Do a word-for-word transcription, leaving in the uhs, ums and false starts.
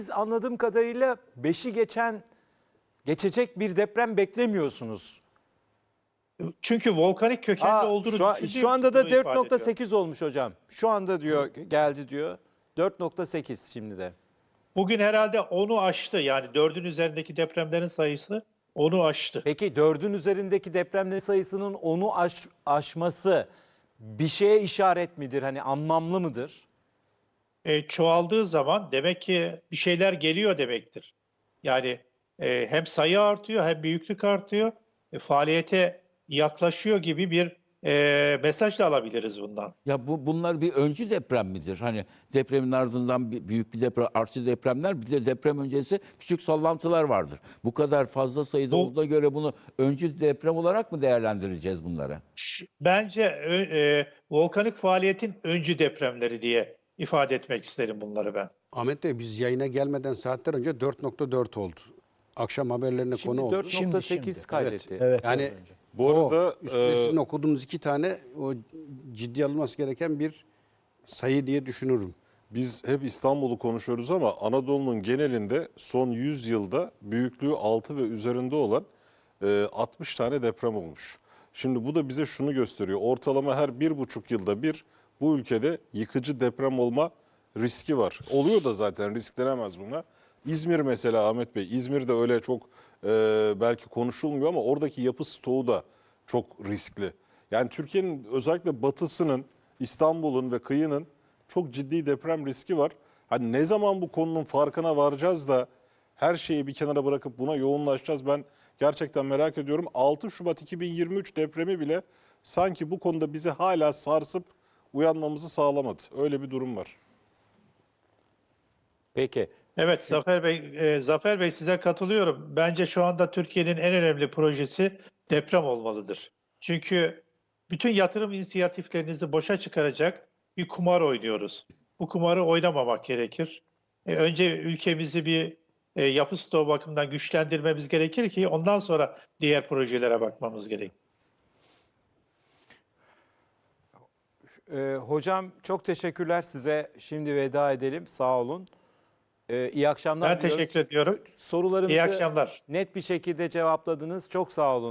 Siz anladığım kadarıyla beşi geçen, geçecek bir deprem beklemiyorsunuz. Çünkü volkanik kökenli Aa, olduğunu şu, an- düşündüğüm şu anda için da bunu dört ifade nokta ediyorum. sekiz olmuş hocam. Şu anda diyor geldi diyor. dört nokta sekiz şimdi de. Bugün herhalde onu aştı. Yani dördün üzerindeki depremlerin sayısı onu aştı. Peki dördün üzerindeki depremlerin sayısının onu aş, aşması bir şeye işaret midir? Hani anlamlı mıdır? E, çoğaldığı zaman demek ki bir şeyler geliyor demektir. Yani e, hem sayı artıyor hem büyüklük artıyor. E, faaliyete yaklaşıyor gibi bir e, mesaj da alabiliriz bundan. Ya bu bunlar bir öncü deprem midir? Hani depremin ardından bir, büyük bir deprem, artçı depremler, bir de deprem öncesi küçük sallantılar vardır. Bu kadar fazla sayıda Bu- olduğuna göre bunu öncü deprem olarak mı değerlendireceğiz bunlara? Ş- Bence ö- e, volkanik faaliyetin öncü depremleri diye ifade etmek isterim bunları ben. Ahmet Bey, biz yayına gelmeden saatler önce dört nokta dört oldu. Akşam haberlerine Şimdi konu oldu. dört nokta sekiz Şimdi, şimdi. kaydetti. Evet. Yani evet. Bu arada o üstüne e, sizin okuduğunuz iki tane o ciddi alınması gereken bir sayı diye düşünürüm. biz hep İstanbul'u konuşuyoruz ama Anadolu'nun genelinde son yüz yılda büyüklüğü altı ve üzerinde olan e, altmış tane deprem olmuş. Şimdi bu da bize şunu gösteriyor. Ortalama her bir buçuk yılda bir bu ülkede yıkıcı deprem olma riski var. Oluyor da zaten, risk denemez buna. İzmir mesela Ahmet Bey, İzmir'de öyle çok e, belki konuşulmuyor ama oradaki yapı stoğu da çok riskli. Yani Türkiye'nin özellikle batısının, İstanbul'un ve kıyının çok ciddi deprem riski var. Hani ne zaman bu konunun farkına varacağız da her şeyi bir kenara bırakıp buna yoğunlaşacağız, ben gerçekten merak ediyorum. altı Şubat iki bin yirmi üç depremi bile sanki bu konuda bizi hala sarsıp uyanmamızı sağlamadı. Öyle bir durum var. Peki. Evet Zafer Bey, e, Zafer Bey size katılıyorum. Bence şu anda Türkiye'nin en önemli projesi deprem olmalıdır. Çünkü bütün yatırım inisiyatiflerinizi boşa çıkaracak bir kumar oynuyoruz. Bu kumarı oynamamak gerekir. E, önce ülkemizi bir e, yapı stoğu bakımından güçlendirmemiz gerekir ki ondan sonra diğer projelere bakmamız gerekir. Ee, hocam çok teşekkürler size. Şimdi veda edelim. Sağ olun. Ee, iyi akşamlar Ben diliyorum. teşekkür ediyorum. Sorularımızı İyi akşamlar. net bir şekilde cevapladınız. Çok sağ olun.